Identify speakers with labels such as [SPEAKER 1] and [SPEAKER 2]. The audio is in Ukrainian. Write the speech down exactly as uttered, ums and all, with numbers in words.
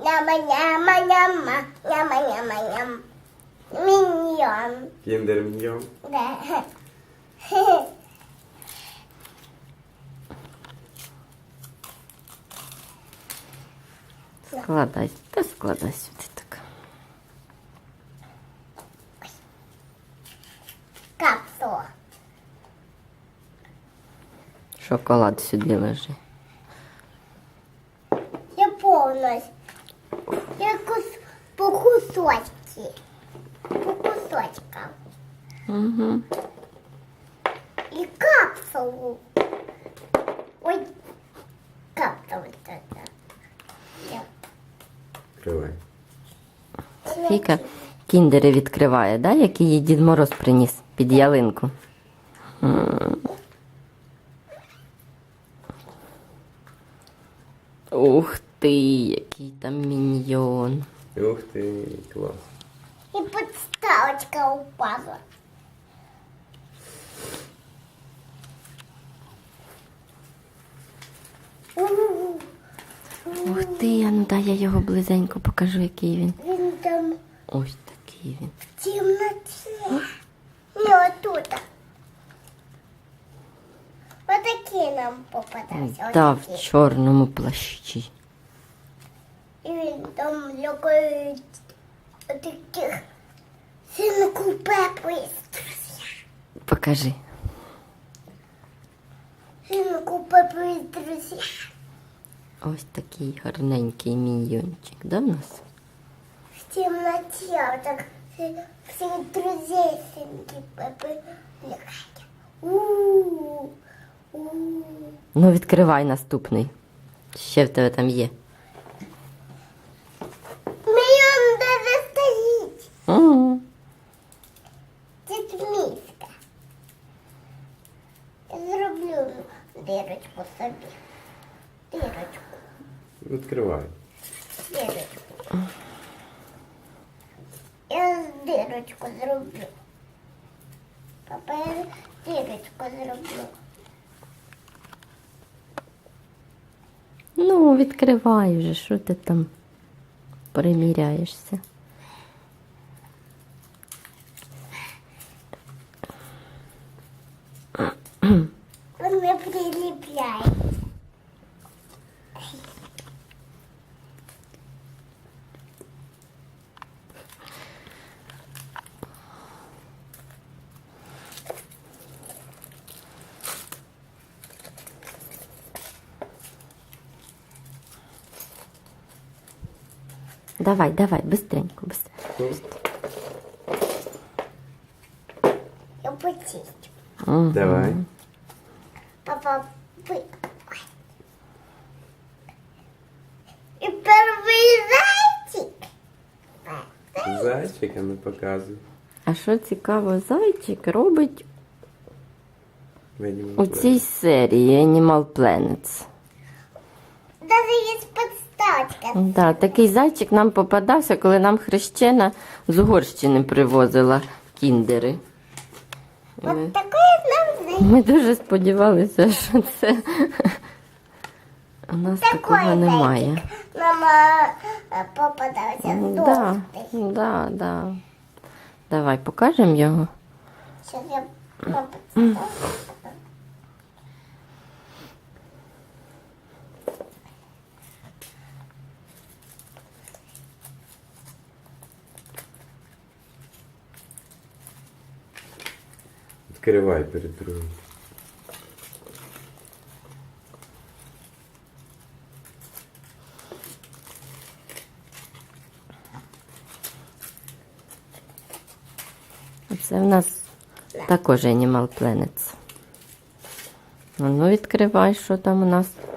[SPEAKER 1] Няма-няма-няма, няма-няма-ням. Миньон.
[SPEAKER 2] Кіндер Міньйон.
[SPEAKER 1] Да.
[SPEAKER 3] Складай, та складай сюди так.
[SPEAKER 1] Капсула.
[SPEAKER 3] Шоколад сюди лежи.
[SPEAKER 1] Я повністю. Я кус... по кусочки. По кусочкам.
[SPEAKER 3] Угу.
[SPEAKER 1] И капсулу. Ой, капсула. Я.
[SPEAKER 2] Відкривай.
[SPEAKER 3] Фіка кіндери відкриває, да? Який їй Дід Мороз приніс під ялинку. М. Ух ти, який там міньйон.
[SPEAKER 2] Ух ти, клас.
[SPEAKER 1] И подставочка упала. У-у-у.
[SPEAKER 3] Ух ти, а ну дай я його близенько покажу, який він.
[SPEAKER 1] Він там
[SPEAKER 3] Ось такий він.
[SPEAKER 1] в темноте. Не отут. Вот такие нам попадаются.
[SPEAKER 3] Да,
[SPEAKER 1] Вот
[SPEAKER 3] в
[SPEAKER 1] такие.
[SPEAKER 3] чорному плащі.
[SPEAKER 1] И він там лягает вот таких сынку Пеппу есть друзья.
[SPEAKER 3] Покажи.
[SPEAKER 1] Сынку Пеппу есть друзья.
[SPEAKER 3] Ось такий гарненький міньйончик, да, в нас?
[SPEAKER 1] В темноте вот так все- всех друзей сынки Пеппы лягают. У-у-у. У-у-у.
[SPEAKER 3] Ну, відкривай наступний. Ще в тебе там є.
[SPEAKER 1] Миллион даже стоит.
[SPEAKER 3] Угу.
[SPEAKER 1] Тут миска. Я зроблю дырочку собі. Дырочку,
[SPEAKER 2] Відкривай.
[SPEAKER 1] дырочку. Я дырочку зроблю. Папа, я дырочку зроблю.
[SPEAKER 3] Ну, відкривай вже, що ти там приміряєшся.
[SPEAKER 1] Он не прилепляет.
[SPEAKER 3] Давай, давай, быстренько, быстренько.
[SPEAKER 1] Я почистю.
[SPEAKER 3] Угу.
[SPEAKER 2] Давай.
[SPEAKER 1] Папа, вы... Ой. И первый зайчик.
[SPEAKER 2] Зайчика не показуй.
[SPEAKER 3] А що цікаво, зайчик робить
[SPEAKER 2] Видимо,
[SPEAKER 3] у цій серії Animal Planet.
[SPEAKER 1] Даже есть подставочка.
[SPEAKER 3] Да, такий зайчик нам попадався, коли нам хрещена з Угорщини привозила кіндери.
[SPEAKER 1] Вот такой нам зайчик.
[SPEAKER 3] Ми дуже сподівалися, що це у нас
[SPEAKER 1] Такой
[SPEAKER 3] такого немає.
[SPEAKER 1] зайчик. Мама э, попадался
[SPEAKER 3] Да,
[SPEAKER 1] толстый.
[SPEAKER 3] да, да. Давай покажемо його.
[SPEAKER 1] Сейчас я попадаю.
[SPEAKER 2] Відкривай перед другим.
[SPEAKER 3] Це в нас також Animal Planet. Ну, відкривай, що там у нас.